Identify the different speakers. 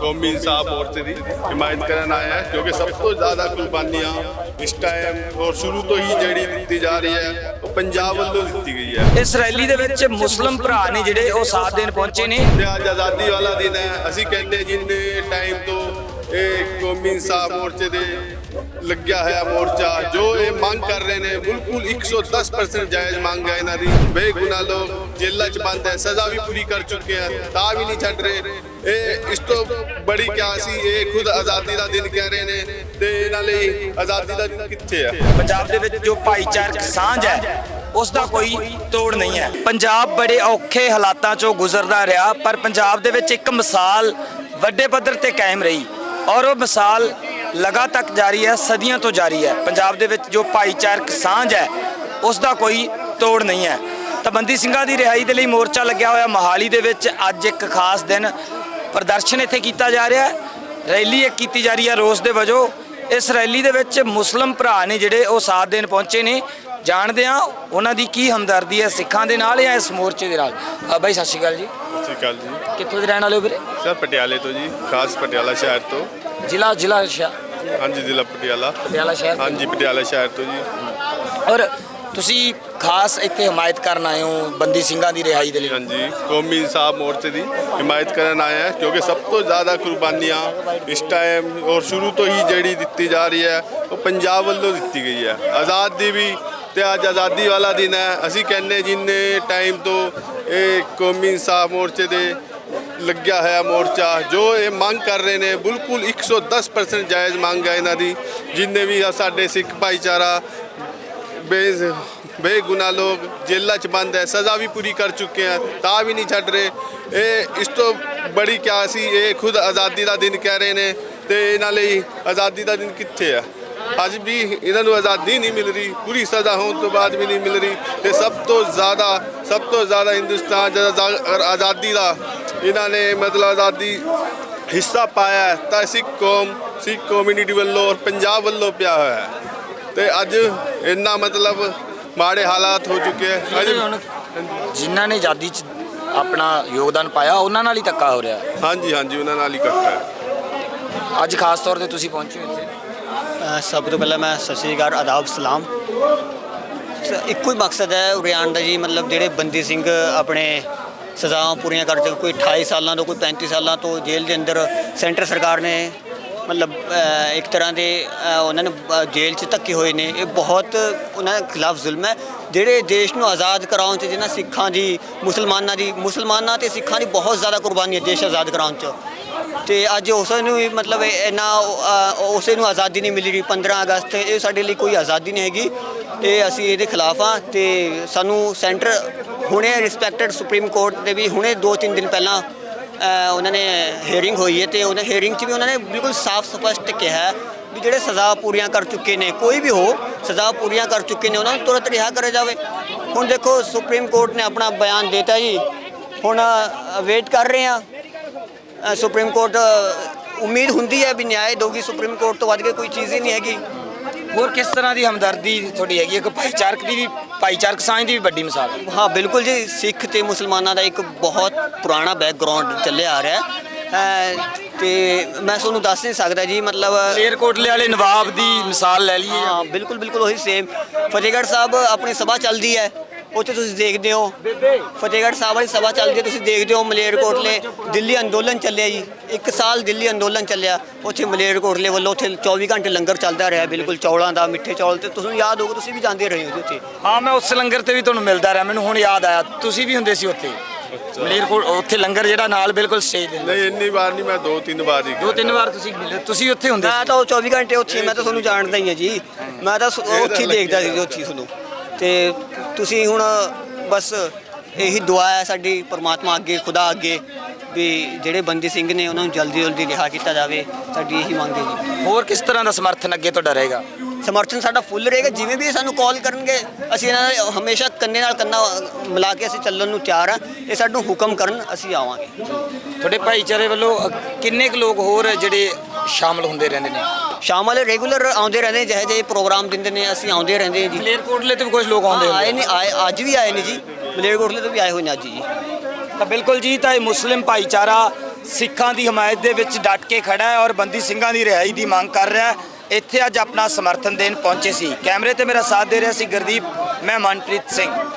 Speaker 1: कौमी इंसाफ मोर्चे की हिमायत करन आए हैं, क्योंकि सब तो ज़्यादा कुर्बानियाँ इस टाइम और शुरू तो ही ਜਿਹੜੀ ਦਿੱਤੀ ਜਾ ਰਹੀ ਹੈ ਉਹ ਪੰਜਾਬ ਵੱਲੋਂ ਦਿੱਤੀ ਗਈ ਹੈ।
Speaker 2: ਇਸ ਰੈਲੀ ਦੇ ਵਿੱਚ ਮੁਸਲਿਮ ਭਰਾ ਨੇ ਜਿਹੜੇ ਉਹ ਸਾਥ ਦੇਣ ਪਹੁੰਚੇ ਨੇ।
Speaker 1: ਤੇ ਅੱਜ ਆਜ਼ਾਦੀ ਵਾਲਾ ਦਿਨ ਹੈ। ਅਸੀਂ ਕਹਿੰਦੇ ਜਿੰਨੇ ਟਾਈਮ ਤੋਂ ਇਹ ਕੌਮੀ ਇਨਸਾਫ ਮੋਰਚੇ ਦੇ ਲੱਗਿਆ ਹੋਇਆ ਮੋਰਚਾ ਜੋ ਇਹ ਮੰਗ ਕਰ ਰਹੇ ਨੇ ਬਿਲਕੁਲ 110% ਜਾਇਜ਼ ਮੰਗ ਹੈ ਇਹਨਾਂ ਦੀ। ਬੇਗੁਨਾਹ ਲੋਕ ਜੇਲ੍ਹਾਂ 'ਚ ਬੰਦ ਹੈ, ਸਜ਼ਾ ਵੀ ਪੂਰੀ ਕਰ ਚੁੱਕੇ ਆ, ਤਾਂ ਵੀ ਨਹੀਂ ਛੱਡ ਰਹੇ। ਇਹ ਇਸ ਤੋਂ ਬੜੀ ਕਿਆ ਸੀ, ਇਹ ਖੁਦ ਆਜ਼ਾਦੀ ਦਾ ਦਿਨ ਕਹਿ ਰਹੇ ਨੇ ਤੇ ਇਹਨਾਂ ਲਈ ਆਜ਼ਾਦੀ ਦਾ ਦਿਨ ਕਿੱਥੇ ਆ।
Speaker 2: ਪੰਜਾਬ ਦੇ ਵਿੱਚ ਜੋ ਭਾਈਚਾਰਕ ਸਾਂਝ ਹੈ ਉਸ ਦਾ ਕੋਈ ਤੋੜ ਨਹੀਂ ਹੈ। ਪੰਜਾਬ ਬੜੇ ਔਖੇ ਹਾਲਾਤਾਂ 'ਚੋਂ ਗੁਜ਼ਰਦਾ ਰਿਹਾ, ਪਰ ਪੰਜਾਬ ਦੇ ਵਿੱਚ ਇੱਕ ਮਿਸਾਲ ਵੱਡੇ ਪੱਧਰ ਤੇ ਕਾਇਮ ਰਹੀ ਔਰ ਉਹ ਮਿਸਾਲ ਲਗਾਤਾਰ ਜਾਰੀ ਹੈ, ਸਦੀਆਂ ਤੋਂ ਜਾਰੀ ਹੈ। ਪੰਜਾਬ ਦੇ ਵਿੱਚ ਜੋ ਭਾਈਚਾਰਕ ਸਾਂਝ ਹੈ ਉਸ ਦਾ ਕੋਈ ਤੋੜ ਨਹੀਂ ਹੈ। ਤਾਂ ਬੰਦੀ ਸਿੰਘਾਂ ਦੀ ਰਿਹਾਈ ਦੇ ਲਈ ਮੋਰਚਾ ਲੱਗਿਆ ਹੋਇਆ ਮੋਹਾਲੀ ਦੇ ਵਿੱਚ ਅੱਜ ਇੱਕ ਖਾਸ ਦਿਨ ਪ੍ਰਦਰਸ਼ਨ ਇੱਥੇ ਕੀਤਾ ਜਾ ਰਿਹਾ ਹੈ। ਰੈਲੀ ਇੱਕ ਕੀਤੀ ਜਾ ਰਹੀ ਹੈ ਰੋਸ ਦੇ ਵਜੋਂ। ਇਸ ਰੈਲੀ ਦੇ ਵਿੱਚ ਮੁਸਲਿਮ ਭਰਾ ਨੇ ਜਿਹੜੇ ਉਹ ਸਾਥ ਦੇਣ ਪਹੁੰਚੇ ਨੇ। ਜਾਣਦੇ ਹਾਂ ਉਹਨਾਂ ਦੀ ਕੀ ਹਮਦਰਦੀ ਹੈ ਸਿੱਖਾਂ ਦੇ ਨਾਲ ਜਾਂ ਇਸ ਮੋਰਚੇ ਦੇ ਨਾਲ। ਬਾਈ ਸਤਿ ਸ਼੍ਰੀ ਅਕਾਲ ਜੀ।
Speaker 1: ਸਤਿ ਸ਼੍ਰੀ ਅਕਾਲ ਜੀ।
Speaker 2: ਕਿੱਥੋਂ ਦੇ ਰਹਿਣ ਵਾਲੇ ਹੋ ਵੀਰੇ?
Speaker 1: ਸਰ ਪਟਿਆਲੇ ਤੋਂ ਜੀ, ਖਾਸ ਪਟਿਆਲਾ ਸ਼ਹਿਰ ਤੋਂ।
Speaker 2: ਜ਼ਿਲ੍ਹਾ
Speaker 1: ਹਾਂਜੀ ਜ਼ਿਲ੍ਹਾ
Speaker 2: ਪਟਿਆਲਾ ਸ਼ਹਿਰ।
Speaker 1: ਹਾਂਜੀ ਪਟਿਆਲਾ ਸ਼ਹਿਰ ਤੋਂ ਜੀ।
Speaker 2: ਔਰ ਤੁਸੀਂ ਖਾਸ ਇੱਥੇ ਹਮਾਇਤ ਕਰਨ ਆਏ ਹੋ ਬੰਦੀ ਸਿੰਘਾਂ ਦੀ ਰਿਹਾਈ ਦੇ ਲਈ।
Speaker 1: ਹਾਂਜੀ ਕੌਮੀ ਇਨਸਾਫ ਮੋਰਚੇ ਦੀ ਹਿਮਾਇਤ ਕਰਨ ਆਏ हैं, क्योंकि सब तो ज़्यादा ਕੁਰਬਾਨੀਆਂ इस टाइम और शुरू तो ही ਜਿਹੜੀ ਦਿੱਤੀ ਜਾ ਰਹੀ ਹੈ ਉਹ ਪੰਜਾਬ ਵੱਲੋਂ ਦਿੱਤੀ ਗਈ ਹੈ। ਆਜ਼ਾਦ ਦੀ ਵੀ ਤੇ ਅੱਜ ਆਜ਼ਾਦੀ ਵਾਲਾ ਦਿਨ ਹੈ। ਅਸੀਂ ਕਹਿੰਦੇ ਜਿੰਨੇ ਟਾਈਮ ਤੋਂ ਇਹ ਕੌਮੀ ਇਨਸਾਫ ਮੋਰਚੇ ਦੇ ਲੱਗਿਆ ਹੋਇਆ ਮੋਰਚਾ ਜੋ ਇਹ ਮੰਗ ਕਰ ਰਹੇ ਨੇ ਬਿਲਕੁਲ 110% ਜਾਇਜ਼ ਮੰਗ ਹੈ ਇਹਨਾਂ ਦੀ। ਜਿੰਨੇ ਵੀ ਸਾਡੇ ਸਿੱਖ ਭਾਈਚਾਰਾ ਬੇਗੁਨਾਹ ਲੋਕ ਜੇਲ੍ਹਾਂ 'ਚ ਬੰਦ ਹੈ, ਸਜ਼ਾ ਵੀ ਪੂਰੀ ਕਰ ਚੁੱਕੇ ਆ, ਤਾਂ ਵੀ ਨਹੀਂ ਛੱਡ ਰਹੇ। ਇਹ ਇਸ ਤੋਂ ਬੜੀ ਕਿਆ ਸੀ, ਇਹ ਖੁਦ ਆਜ਼ਾਦੀ ਦਾ ਦਿਨ ਕਹਿ ਰਹੇ ਨੇ ਤੇ ਇਹਨਾਂ ਲਈ ਆਜ਼ਾਦੀ ਦਾ ਦਿਨ ਕਿੱਥੇ ਆ। ਅੱਜ ਵੀ ਇਹਨਾਂ ਨੂੰ ਆਜ਼ਾਦੀ ਨਹੀਂ ਮਿਲ ਰਹੀ, ਪੂਰੀ ਸਜ਼ਾ ਹੋਣ ਤੋਂ ਬਾਅਦ ਵੀ ਨਹੀਂ ਮਿਲ ਰਹੀ। ਤੇ ਸਭ ਤੋਂ ਜ਼ਿਆਦਾ ਹਿੰਦੁਸਤਾਨ ਜਦ ਆਜ਼ਾਦੀ ਦਾ ਇਹਨਾਂ ਨੇ ਮਤਲਬ ਆਜ਼ਾਦੀ ਹਿੱਸਾ ਪਾਇਆ ਤਾਂ ਸਿੱਖ ਕੌਮਿਊਨਿਟੀ ਵੱਲੋਂ ਔਰ ਪੰਜਾਬ ਵੱਲੋਂ ਪਿਆ ਹੋਇਆ ਹੈ। ਤੇ ਅੱਜ ਇੰਨਾ ਮਤਲਬ ਮਾੜੇ ਹਾਲਾਤ ਹੋ ਚੁੱਕੇ ਹੈ।
Speaker 2: ਜਿਨ੍ਹਾਂ ਨੇ ਆਜ਼ਾਦੀ 'ਚ ਆਪਣਾ ਯੋਗਦਾਨ ਪਾਇਆ ਉਹਨਾਂ ਨਾਲ ਹੀ ਧੱਕਾ ਹੋ ਰਿਹਾ।
Speaker 1: ਹਾਂਜੀ ਉਹਨਾਂ ਨਾਲ ਹੀ ਇਕੱਠਾ ਹੈ।
Speaker 2: ਅੱਜ ਖਾਸ ਤੌਰ ਤੇ ਤੁਸੀਂ ਪਹੁੰਚੇ ਹੋ ਇੱਥੇ।
Speaker 3: ਸਭ ਤੋਂ ਪਹਿਲਾਂ ਮੈਂ ਸਤਿ ਸ਼੍ਰੀ ਅਕਾਲ, ਆਦਾਬ, ਸਲਾਮ। ਇੱਕੋ ਹੀ ਮਕਸਦ ਹੈ ਉਰੇ ਆਉਣ ਦਾ ਜੀ, ਮਤਲਬ ਜਿਹੜੇ ਬੰਦੀ ਸਿੰਘ ਆਪਣੇ ਸਜ਼ਾਵਾਂ ਪੂਰੀਆਂ ਕਰ ਚੁੱਕੇ, ਕੋਈ 28 ਸਾਲਾਂ ਤੋਂ ਕੋਈ 35 ਸਾਲਾਂ ਤੋਂ ਜੇਲ੍ਹ ਦੇ ਅੰਦਰ ਸੈਂਟਰ ਸਰਕਾਰ ਨੇ ਮਤਲਬ ਇੱਕ ਤਰ੍ਹਾਂ ਦੇ ਉਹਨਾਂ ਨੇ ਜੇਲ੍ਹ 'ਚ ਧੱਕੇ ਹੋਏ ਨੇ। ਇਹ ਬਹੁਤ ਉਹਨਾਂ ਦੇ ਖਿਲਾਫ ਜ਼ੁਲਮ ਹੈ। ਜਿਹੜੇ ਦੇਸ਼ ਨੂੰ ਆਜ਼ਾਦ ਕਰਾਉਣ 'ਚ ਜਿਹਨਾਂ ਸਿੱਖਾਂ ਦੀ ਮੁਸਲਮਾਨਾਂ ਅਤੇ ਸਿੱਖਾਂ ਦੀ ਬਹੁਤ ਜ਼ਿਆਦਾ ਕੁਰਬਾਨੀ ਹੈ ਦੇਸ਼ ਆਜ਼ਾਦ ਕਰਾਉਣ 'ਚ। ਤੇ ਅੱਜ ਉਸ ਨੂੰ ਵੀ ਮਤਲਬ ਇੰਨਾ ਉਸੇ ਨੂੰ ਆਜ਼ਾਦੀ ਨਹੀਂ ਮਿਲੀ ਰਹੀ। 15 ਅਗਸਤ ਇਹ ਸਾਡੇ ਲਈ ਕੋਈ ਆਜ਼ਾਦੀ ਨਹੀਂ ਹੈਗੀ ਤੇ ਅਸੀਂ ਇਹਦੇ ਖਿਲਾਫ ਹਾਂ। ਤੇ ਸਾਨੂੰ ਸੈਂਟਰ ਹੁਣੇ ਰਿਸਪੈਕਟਡ ਸੁਪਰੀਮ ਕੋਰਟ ਦੇ ਵੀ ਹੁਣੇ 2-3 ਦਿਨ ਪਹਿਲਾਂ ਉਹਨਾਂ ਨੇ ਹੀਅਰਿੰਗ ਹੋਈ ਹੈ ਤੇ ਉਹਨਾਂ ਹੀਅਰਿੰਗ 'ਚ ਵੀ ਉਹਨਾਂ ਨੇ ਬਿਲਕੁਲ ਸਾਫ਼ ਸਪਸ਼ਟ ਕਿਹਾ ਵੀ ਜਿਹੜੇ ਸਜ਼ਾ ਪੂਰੀਆਂ ਕਰ ਚੁੱਕੇ ਨੇ, ਕੋਈ ਵੀ ਹੋ ਸਜ਼ਾ ਪੂਰੀਆਂ ਕਰ ਚੁੱਕੇ ਨੇ, ਉਹਨਾਂ ਨੂੰ ਤੁਰੰਤ ਰਿਹਾ ਕਰਿਆ ਜਾਵੇ। ਹੁਣ ਦੇਖੋ ਸੁਪਰੀਮ ਕੋਰਟ ਨੇ ਆਪਣਾ ਬਿਆਨ ਦਿੱਤਾ ਜੀ, ਹੁਣ ਵੇਟ ਕਰ ਰਹੇ ਹਾਂ। ਸੁਪਰੀਮ ਕੋਰਟ ਉਮੀਦ ਹੁੰਦੀ ਹੈ ਵੀ ਨਿਆਂ ਦੇਊਗੀ। ਸੁਪਰੀਮ ਕੋਰਟ ਤੋਂ ਵੱਧ ਕੇ ਕੋਈ ਚੀਜ਼ ਹੀ ਨਹੀਂ ਹੈਗੀ।
Speaker 2: ਹੋਰ ਕਿਸ ਤਰ੍ਹਾਂ ਦੀ ਹਮਦਰਦੀ ਤੁਹਾਡੀ ਹੈਗੀ? ਇੱਕ ਭਾਈਚਾਰਕ ਸਾਂਝ ਦੀ ਵੀ ਵੱਡੀ ਮਿਸਾਲ ਹੈ।
Speaker 3: ਹਾਂ ਬਿਲਕੁਲ ਜੀ, ਸਿੱਖ ਤੇ ਮੁਸਲਮਾਨਾਂ ਦਾ ਇੱਕ ਬਹੁਤ ਪੁਰਾਣਾ ਬੈਕਗਰਾਉਂਡ ਚੱਲਿਆ ਆ ਰਿਹਾ ਤੇ ਮੈਂ ਤੁਹਾਨੂੰ ਦੱਸ ਨਹੀਂ ਸਕਦਾ ਜੀ। ਮਤਲਬ
Speaker 2: ਮਲੇਰਕੋਟਲੇ ਵਾਲੇ ਨਵਾਬ ਦੀ ਮਿਸਾਲ ਲੈ ਲਈਏ।
Speaker 3: ਹਾਂ ਬਿਲਕੁਲ ਉਹੀ ਸੇਮ। ਫਤਿਹਗੜ੍ਹ ਸਾਹਿਬ ਆਪਣੀ ਸਭਾ ਚੱਲਦੀ ਹੈ, ਉੱਥੇ ਤੁਸੀਂ ਦੇਖਦੇ ਹੋ ਫਤਿਹਗੜ੍ਹ ਸਾਹਿਬ ਵਾਲੀ ਸਭਾ ਚੱਲਦੀ ਹੈ, ਤੁਸੀਂ ਦੇਖਦੇ ਹੋ। ਮਲੇਰਕੋਟਲੇ ਦਿੱਲੀ ਅੰਦੋਲਨ ਚੱਲਿਆ ਜੀ, 1 ਸਾਲ ਦਿੱਲੀ ਅੰਦੋਲਨ ਚੱਲਿਆ। ਉੱਥੇ ਮਲੇਰਕੋਟਲੇ ਵੱਲੋਂ ਉੱਥੇ 24 ਘੰਟੇ ਲੰਗਰ ਚੱਲਦਾ ਰਿਹਾ, ਬਿਲਕੁਲ ਚੌਲਾਂ ਦਾ, ਮਿੱਠੇ ਚੌਲ। ਤੇ ਤੁਸੀਂ ਯਾਦ ਹੋਊਗਾ, ਤੁਸੀਂ ਵੀ ਜਾਂਦੇ ਰਹੇ ਹੋ ਉੱਥੇ।
Speaker 2: ਹਾਂ ਮੈਂ ਉਸ ਲੰਗਰ ਤੇ ਵੀ ਤੁਹਾਨੂੰ ਮਿਲਦਾ ਰਿਹਾ, ਮੈਨੂੰ ਹੁਣ ਯਾਦ ਆਇਆ ਤੁਸੀਂ ਵੀ ਹੁੰਦੇ ਸੀ ਉੱਥੇ ਮਲੇਰਕੋਟ। ਉੱਥੇ ਲੰਗਰ ਜਿਹੜਾ ਨਾਲ ਬਿਲਕੁਲ ਸਟੇਜ ਦੇ।
Speaker 1: ਨਹੀਂ ਇੰਨੀ ਵਾਰ ਨਹੀਂ, ਮੈਂ 2-3 ਵਾਰ ਹੀ।
Speaker 2: 2-3 ਵਾਰ ਤੁਸੀਂ ਮਿਲੇ, ਤੁਸੀਂ ਉੱਥੇ ਹੁੰਦੇ ਸੀ?
Speaker 3: ਮੈਂ ਤਾਂ ਉਹ 24 ਘੰਟੇ ਉੱਥੇ, ਮੈਂ ਤਾਂ ਤੁਹਾਨੂੰ ਜਾਣਦਾ ਹੀ ਹਾਂ ਜੀ। ਮੈਂ ਤਾਂ ਉੱਥੇ ਦੇਖਦਾ ਸੀ ਉੱਥੇ ਤੁਹਾਨੂੰ। ਤੇ ਤੁਸੀਂ ਹੁਣ ਬਸ ਇਹੀ ਦੁਆ ਹੈ ਸਾਡੀ ਪਰਮਾਤਮਾ ਅੱਗੇ, ਖੁਦਾ ਅੱਗੇ, ਵੀ ਜਿਹੜੇ ਬੰਦੀ ਸਿੰਘ ਨੇ ਉਹਨਾਂ ਨੂੰ ਜਲਦੀ ਰਿਹਾ ਕੀਤਾ ਜਾਵੇ। ਸਾਡੀ ਇਹੀ ਮੰਗ ਹੈ ਜੀ।
Speaker 2: ਹੋਰ ਕਿਸ ਤਰ੍ਹਾਂ ਦਾ ਸਮਰਥਨ ਅੱਗੇ ਤੁਹਾਡਾ ਰਹੇਗਾ?
Speaker 3: ਸਮਰਥਨ ਸਾਡਾ ਫੁੱਲ ਰਹੇਗਾ। ਜਿਵੇਂ ਵੀ ਸਾਨੂੰ ਕਾਲ ਕਰਨਗੇ ਅਸੀਂ ਇਹਨਾਂ ਨਾਲ ਹਮੇਸ਼ਾ ਕੰਨੇ ਨਾਲ ਕੰਨਾ ਮਿਲਾ ਕੇ ਅਸੀਂ ਚੱਲਣ ਨੂੰ ਤਿਆਰ ਹਾਂ। ਇਹ ਸਾਨੂੰ ਹੁਕਮ ਕਰਨ ਅਸੀਂ ਆਵਾਂਗੇ।
Speaker 2: ਤੁਹਾਡੇ ਭਾਈਚਾਰੇ ਵੱਲੋਂ ਕਿੰਨੇ ਕੁ ਲੋਕ ਹੋਰ ਜਿਹੜੇ ਸ਼ਾਮਲ ਹੁੰਦੇ ਰਹਿੰਦੇ ਨੇ?
Speaker 3: ਸ਼ਾਮਲ ਰੈਗੂਲਰ ਆਉਂਦੇ ਰਹਿੰਦੇ, ਜਿਹੇ ਪ੍ਰੋਗਰਾਮ ਦਿੰਦੇ ਨੇ ਅਸੀਂ ਆਉਂਦੇ ਰਹਿੰਦੇ ਜੀ।
Speaker 2: ਮਲੇਰਕੋਟਲੇ ਤੋਂ ਵੀ ਕੁਝ ਲੋਕ ਆਉਂਦੇ
Speaker 3: ਆਏ ਨੇ, ਅੱਜ ਵੀ ਆਏ ਨੇ ਜੀ। ਮਲੇਰਕੋਟਲੇ ਤੋਂ ਵੀ ਆਏ ਹੋਏ ਨੇ ਅੱਜ ਜੀ।
Speaker 2: ਤਾਂ ਬਿਲਕੁਲ ਜੀ, ਤਾਂ ਇਹ ਮੁਸਲਿਮ ਭਾਈਚਾਰਾ ਸਿੱਖਾਂ ਦੀ ਹਮਾਇਤ ਦੇ ਵਿੱਚ ਡਟ ਕੇ ਖੜਾ ਹੈ ਔਰ ਬੰਦੀ ਸਿੰਘਾਂ ਦੀ ਰਿਹਾਈ ਦੀ ਮੰਗ ਕਰ ਰਿਹਾ ਹੈ। ਇੱਥੇ ਅੱਜ ਆਪਣਾ ਸਮਰਥਨ ਦੇਣ ਪਹੁੰਚੇ ਸੀ। ਕੈਮਰੇ ਤੇ ਮੇਰਾ ਸਾਥ ਦੇ ਰਿਹਾ ਸੀ ਗੁਰਦੀਪ, ਮੈਂ ਮਨਪ੍ਰੀਤ ਸਿੰਘ।